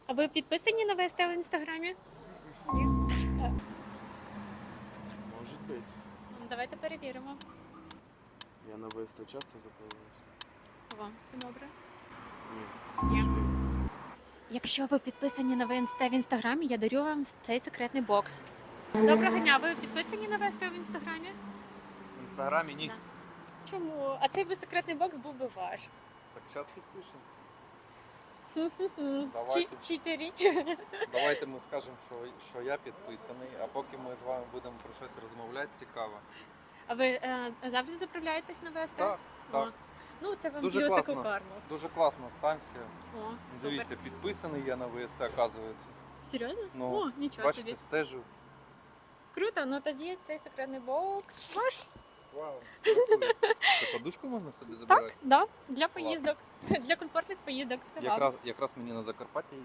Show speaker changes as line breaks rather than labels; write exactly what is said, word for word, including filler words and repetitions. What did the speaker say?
А ви підписані на ВСТ в інстаграмі? Ні. Е,
Может быть.
ну, Давайте перевіримо.
Я на ВСТ часто записываюсь.
О, все добре.
Ні.
Ні. Якщо ви підписані на ВСТ в інстаграмі, я дарю вам цей секретний бокс. Доброго дня, ви підписані на ВСТ в інстаграмі?
В інстаграмі ні.
Да. Чому? А цей би секретний бокс був би ваш.
Так зараз підпишемося.
Хм-хм-хм.
Давайте.
Чі- Читеріть.
Давайте ми скажемо, що, що я підписаний, а поки ми з вами будемо про щось розмовляти, цікаво.
А ви е, завжди заправляєтесь на ВСТ?
Так,
О.
так.
Ну, це вам
Дуже
плюсик у
класно.
карму.
Дуже класна станція.
О,
Дивіться,
супер.
підписаний я на ВСТ, оказується.
Серйозно?
Ну,
О, нічого
Бачите,
собі.
стежу.
Круто, ну тоді цей секретний бокс ваш.
Вау. Дякую. Це подушку можна собі забирати?
Так, да, для поїздок, для комфортних поїздок. Це вам.
Якраз, якраз мені на Закарпаття